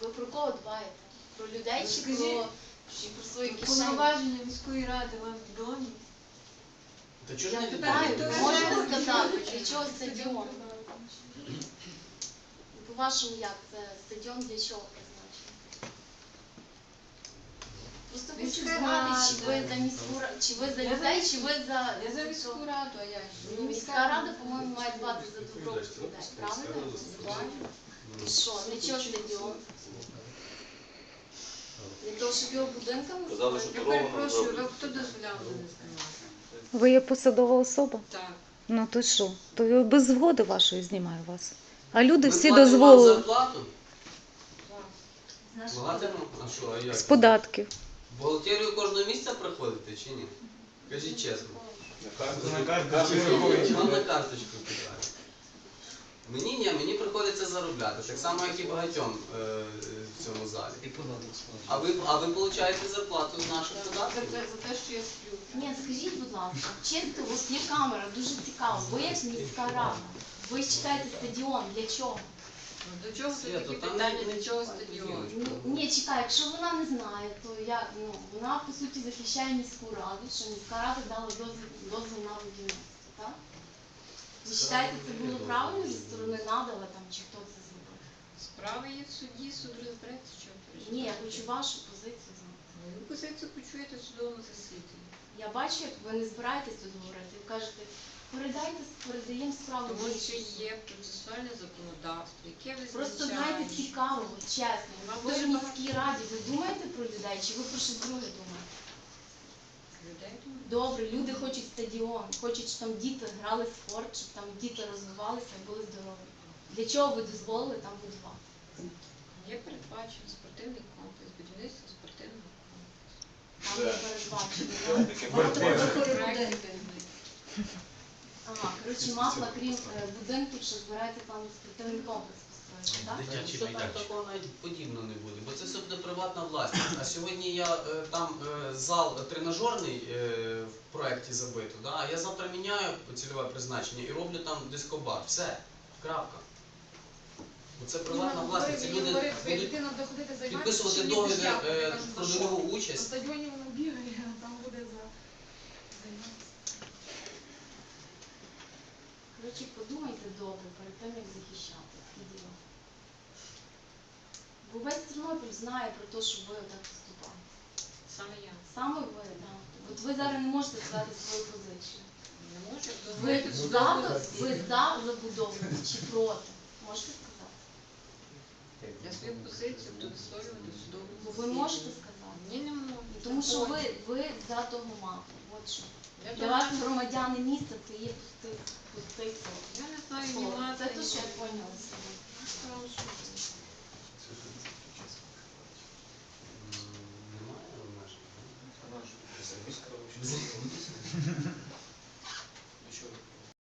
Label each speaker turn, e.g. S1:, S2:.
S1: Ви про кого дбаєте? Про людей чи про свої кишені?
S2: Повноваження міської ради вам відомі?
S3: Та чого ж не
S1: Питаю,
S3: відомо?
S1: можете сказати, для чого стадіон? По-вашому, як це стадіон для чого призначений? Просто хочу знати, чи ви за міську раду, чи ви за людей, чи ви за...
S2: Я за міську раду, а я ж.
S1: Ну, міська рада, по-моєму, має дбати за добробут людей, правильно? І що, для чого стадіон? Для того, щоб його будинками
S4: Казали, що
S2: Я
S4: дорогу нам
S2: перепрошую,
S4: зроблять.
S2: ви хто дозволяв мене знімати?
S5: Ви є посадова особа?
S2: Так.
S5: Ну то що? То я без згоди вашої знімаю вас. А люди
S3: Ми
S5: всі
S3: платимо вам
S5: дозволили
S3: зарплату?
S2: Так.
S3: Платимо? А що, а як?
S5: з податків.
S3: В бухгалтерію кожного місяця приходите чи ні? Кажіть чесно.
S4: На карточку.
S3: Вам на карточку питаю. Мені ні, мені приходиться заробляти, так само, як і багатьом в цьому залі. А ви отримуєте зарплату з наших податків?
S2: За те, що я сплю.
S1: Ні, скажіть, будь ласка, чесно, у вас є камера, дуже цікаво. Ви як міська рада, ви читаєте стадіон, для чого?
S2: Ну, до чого це
S3: Свято,
S2: такі
S3: там
S2: питання,
S3: не-
S2: для чого стадіон?
S1: Ні, чекай, якщо вона не знає, то я, вона по суті захищає міську раду, що міська рада дала дозвіл на будівництво, так? Ви вважаєте, це було правильно зі сторони надала там, чи хто це зробив?
S2: Справа є в суді, суд розбереться, що переживати.
S1: Ні, я хочу вашу позицію знати.
S2: Мою позицію почуєте в судовому засіданні.
S1: Я бачу, як ви не збираєтесь тут говорити, ви кажете, передаємо справу.
S2: Тому
S1: в
S2: що
S1: інший
S2: є процесуальне законодавство, яке
S1: Просто
S2: визначає.
S1: знаєте, цікаво, от чесно.
S2: Вам
S1: Ви
S2: дуже
S1: в міській раді, ви думаєте про людей, чи ви про щось друге думаєте?
S2: Людей думаю.
S1: Добре, люди хочуть стадіон, хочуть, щоб там діти грали в спорт, щоб там діти розвивалися і були здорові. Для чого ви дозволили там будувати?
S2: Є передбачений спортивний комплекс, будівництво спортивного комплексу.
S1: Там не передбачено. Ага, коротше, масла, крім будинків, що збирається там спортивний комплекс построїти, так?
S3: Дитячий майданчик. Такого навіть подібного не буде, бо це все буде приватна власність. А сьогодні я там зал тренажерний в проєкті забито, да? А я завтра міняю цільове призначення і роблю там дискобар. Все, крапка. Бо це приватна власність. Ці люди будуть підписувати договір про трудову
S6: На
S3: участь.
S6: стадіоні вона бігає, а там буде займатися.
S1: Коротше, подумайте добре перед тим, як захищати такі діла. Бо весь Тернопіль знає про те, що ви отак поступаєте.
S2: Саме я.
S1: Саме ви, так. От ви зараз не можете сказати свою позицію.
S2: Не можу
S1: Ви
S2: дозволити в
S1: за,
S2: судовому
S1: ви
S2: засіданні.
S1: за забудову чи проти? Можете сказати?
S2: Я свою позицію буду висловлювати в судовому
S1: Бо ви
S2: засіданні.
S1: можете сказати.
S2: Ні, не можу.
S1: Тому що ви за того мапу. От що.
S2: Я
S1: Для вас громадяни міста це є пустий сон.
S2: Я не знаю,
S1: Слово.
S2: немає.
S1: Це те, що я поняла собі.
S3: Немає обмежень?